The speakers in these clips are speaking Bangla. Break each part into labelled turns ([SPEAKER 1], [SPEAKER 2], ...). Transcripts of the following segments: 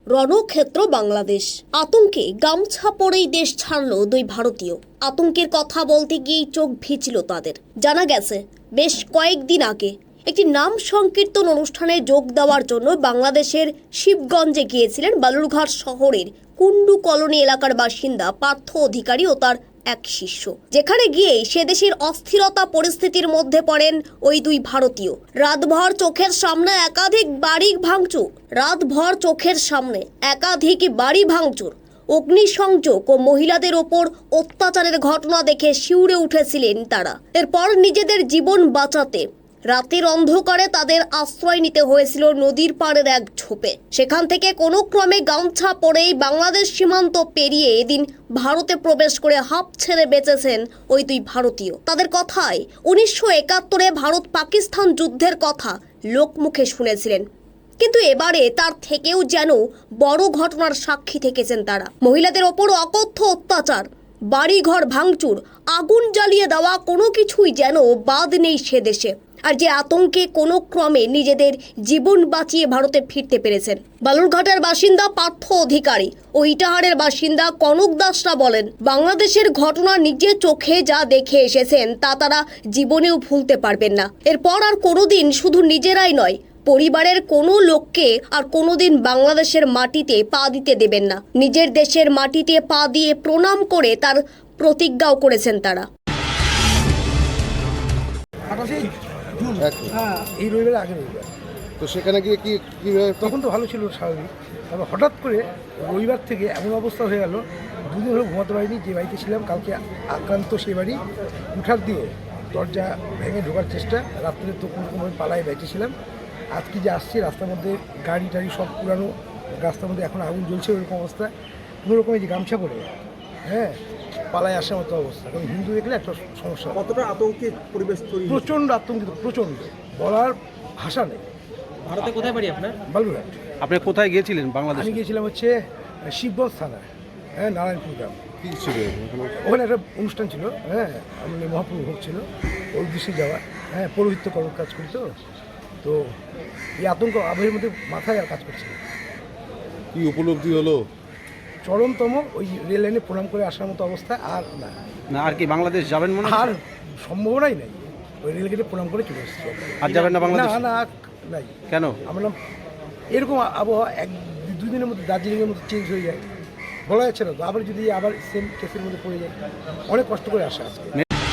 [SPEAKER 1] রণক্ষেত্র বাংলাদেশ। আতঙ্কে গামছা পরেই দেশ ছাড়ল দুই ভারতীয়। আতঙ্কের কথা বলতে গিয়েই চোখ ভিজল তাদের। জানা গেছে বেশ কয়েকদিন আগে একটি নাম সংকীর্তন অনুষ্ঠানে যোগ দেওয়ার জন্য বাংলাদেশের শিবগঞ্জে গিয়েছিলেন বালুরঘাট শহরের কুন্ডু কলোনি এলাকার বাসিন্দা পার্থ অধিকারী ও তার এক শিষ্য। যেখানে গিয়ে সে দেশের অস্থিরতা পরিস্থিতির মধ্যে পড়েন ওই দুই ভারতীয়। রাতভর চোখের সামনে একাধিক বাড়ি ভাঙচুর, অগ্নিসংযোগ ও মহিলাদের ওপর অত্যাচারের ঘটনা দেখে শিউরে উঠেছিলেন তারা। এরপর নিজেদের জীবন বাঁচাতে রাতের অন্ধকারে তাদের আশ্রয় নিতে হয়েছিল নদীর পাড়ের এক ঝোপে। সেখান থেকে কোনো ক্রমে গামছা পরেই বাংলাদেশ সীমান্ত পেরিয়ে এদিন ভারতে প্রবেশ করে হাঁপ ছেড়ে বেঁচেছেন ওই দুই ভারতীয়। তাদের কথায় 1971-এ ভারত পাকিস্তান যুদ্ধের কথা লোকমুখে শুনেছিলেন, কিন্তু এবারে তার থেকেও যেন বড় ঘটনার সাক্ষী থেকেছেন তারা। মহিলাদের ওপর অকথ্য অত্যাচার, বাড়িঘর ভাঙচুর, আগুন জ্বালিয়ে দেওয়া, কোনো কিছুই যেন বাদ নেই সে দেশে। আর যে আতঙ্কে কোনো ক্রমে নিজেদের জীবন বাঁচিয়ে ভারতে ফিরতে পেরেছেন। বালুরঘাটের বাসিন্দা পার্থ অধিকারী ও ইটাহারের বাসিন্দা কনক দাসরা বলেন, বাংলাদেশের ঘটনা নিজের চোখে যা দেখে এসেছেন তা তারা জীবনেও ভুলতে পারবেন না। এরপর আর কোনোদিন শুধু নিজেরাই নয়, পরিবারের কোনো লোককে আর কোনোদিন বাংলাদেশের মাটিতে পা দিতে দেবেন না। নিজের দেশের মাটিতে পা দিয়ে প্রণাম করে তার প্রতিজ্ঞাও করেছেন তারা।
[SPEAKER 2] এই রবিবার আগে রবিবার
[SPEAKER 3] তো সেখানে গিয়ে কি
[SPEAKER 2] তখন তো ভালো ছিল স্বাভাবিক। তারপর হঠাৎ করে রবিবার থেকে এমন অবস্থা হয়ে গেল, দুদিন হলো ঘুমাতে পারিনি। যে বাড়িতে ছিলাম কালকে আক্রান্ত, সেই বাড়ি উঠার দিয়ে দরজা ভেঙে ঢোকার চেষ্টা, রাত্রে তো কোনোরকমভাবে পালায় বেঁচেছিলাম। আজকে যে আসছি রাস্তার মধ্যে গাড়ি টাড়ি সব পুরানো, রাস্তার মধ্যে এখন আগুন জ্বলছে, ওইরকম অবস্থা। কোনোরকমে যে গামছা পরে পালায় আসার মতো অবস্থা। কারণ হিন্দু দেখলে একটা সমস্যা।
[SPEAKER 3] কতটা আতঙ্কের পরিবেশ তৈরি?
[SPEAKER 2] প্রচণ্ড আতঙ্কিত, প্রচণ্ড, বলার ভাষা নেই।
[SPEAKER 4] ভারতে কোথায় বাড়ি আপনার?
[SPEAKER 2] বালুরঘাট।
[SPEAKER 4] আপনি কোথায় গিয়েছিলেন বাংলাদেশে?
[SPEAKER 2] আমি গিয়েছিলাম হচ্ছে শিবগঞ্জ থানা, নারায়ণপুর গ্রাম।
[SPEAKER 3] কি ছিল
[SPEAKER 2] ওখানে একটা অনুষ্ঠান ছিল, আমাদের মহাপ্রভু ভোগ ছিল, ওই উদ্দেশ্যে যাওয়া। পৌরোহিত্য কর্ম কাজ করি, তো এই আতঙ্ক আবহের মধ্যে মাথায় আর কাজ করছে না।
[SPEAKER 3] কি উপলব্ধি হলো?
[SPEAKER 2] চরমতম ওই রেল লাইনে প্রণাম করে আসার মতো অবস্থা। আর
[SPEAKER 4] না আর কি বাংলাদেশ যাবেন মনে
[SPEAKER 2] আর সম্ভাবনাই নাই। ওই রেল গেটে প্রণাম করে চলে এসেছি।
[SPEAKER 4] আর যাবেন না বাংলাদেশ?
[SPEAKER 2] না নাই।
[SPEAKER 4] কেন?
[SPEAKER 2] আমরা এরকম আবহাওয়া দুই দিনের মধ্যে দার্জিলিংয়ের মধ্যে চেঞ্জ হয়ে যায়, বলা যাচ্ছে না তো। আবার যদি আবার সেম কেসের মধ্যে পড়ে যায়, অনেক কষ্ট করে আসা আজকে।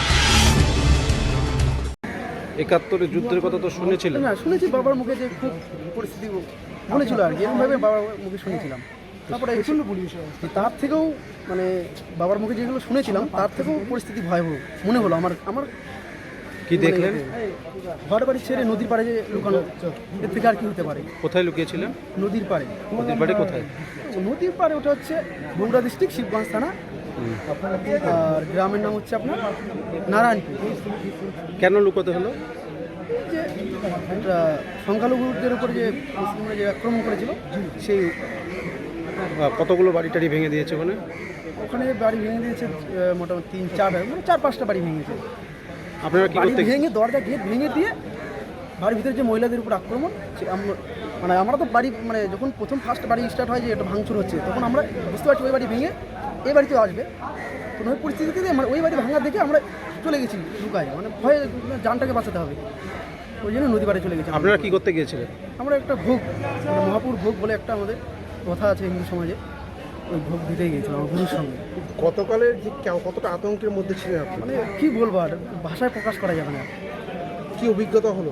[SPEAKER 4] 71-এর যুদ্ধের কথা তো শুনেছিলেন?
[SPEAKER 5] না, শুনেছি বাবার মুখে, যে খুব পরিস্থিতি বলেছিল আর কি, এরকমভাবে বাবার মুখে শুনেছিলাম। তারপরে তার থেকেও মানে বাবার মুখে যেগুলো শুনেছিলাম তার থেকেও পরিস্থিতি ভয়াবহ মনে হলো আমার।
[SPEAKER 4] কি দেখলেন?
[SPEAKER 5] ঘর বাড়ি ছেড়ে নদীর পাড়ে যে লুকানো, এর থেকে আর কি হতে পারে?
[SPEAKER 4] কোথায় লুকিয়েছিলেন?
[SPEAKER 5] নদীর পাড়ে।
[SPEAKER 4] নদীর পাড়ে কোথায়?
[SPEAKER 5] নদীর পাড়ে, ওটা হচ্ছে বগুড়া ডিস্ট্রিক্ট, শিবগঞ্জ থানা। আর গ্রামের নাম হচ্ছে আপনার নারায়ণপুর।
[SPEAKER 4] কেন লুকোতে হলো?
[SPEAKER 5] যে একটা সংখ্যালঘুদের উপর যে মুসলিমরা যে আক্রমণ করেছিল, সেই
[SPEAKER 4] কতগুলো বাড়ি টাড়ি ভেঙে দিয়েছে
[SPEAKER 5] ওখানে বাড়ি ভেঙে দিয়েছে। মোটামুটি 4-5টা বাড়ি ভেঙেছে।
[SPEAKER 4] আপনারা কি করতে?
[SPEAKER 5] ভেঙে দরজা গেট ভেঙে দিয়ে বাড়ির ভিতরে যে মহিলাদের উপর আক্রমণ, আমরা তো বাড়ি যখন ফার্স্ট বাড়ি স্টার্ট হয় যে এটা ভাঙচুর হচ্ছে, তখন আমরা বুঝতে পারছি ওই বাড়ি ভেঙে এই বাড়িতেও আসবে। তো ওই পরিস্থিতিতে ওই বাড়ি ভাঙা দেখে আমরা চলে গেছি লুকায়, ভয়ে জানটাকে বাঁচাতে হবে, ওই জন্য নদী বাড়ি চলে গেছি।
[SPEAKER 4] আপনারা কি করতে গিয়েছিলেন?
[SPEAKER 5] আমরা একটা ভোগ, মহাপুর ভোগ বলে একটা আমাদের কথা আছে হিন্দু সমাজে, ওই ভোগ দিতেই গিয়েছিলাম আমার গুরুর সঙ্গে।
[SPEAKER 3] গতকালের যে কতটা আতঙ্কের মধ্যে ছিলেন আপনি?
[SPEAKER 5] কি বলবো, আর ভাষায় প্রকাশ করা যাবে না।
[SPEAKER 3] কি অভিজ্ঞতা হলো?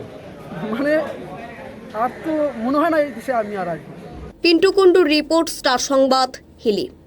[SPEAKER 5] আর তো মনে হয় না এই দেশে আমি আর আসবো।
[SPEAKER 1] পিন্টু কুন্ডুর রিপোর্ট, স্টার সংবাদ, হিলি।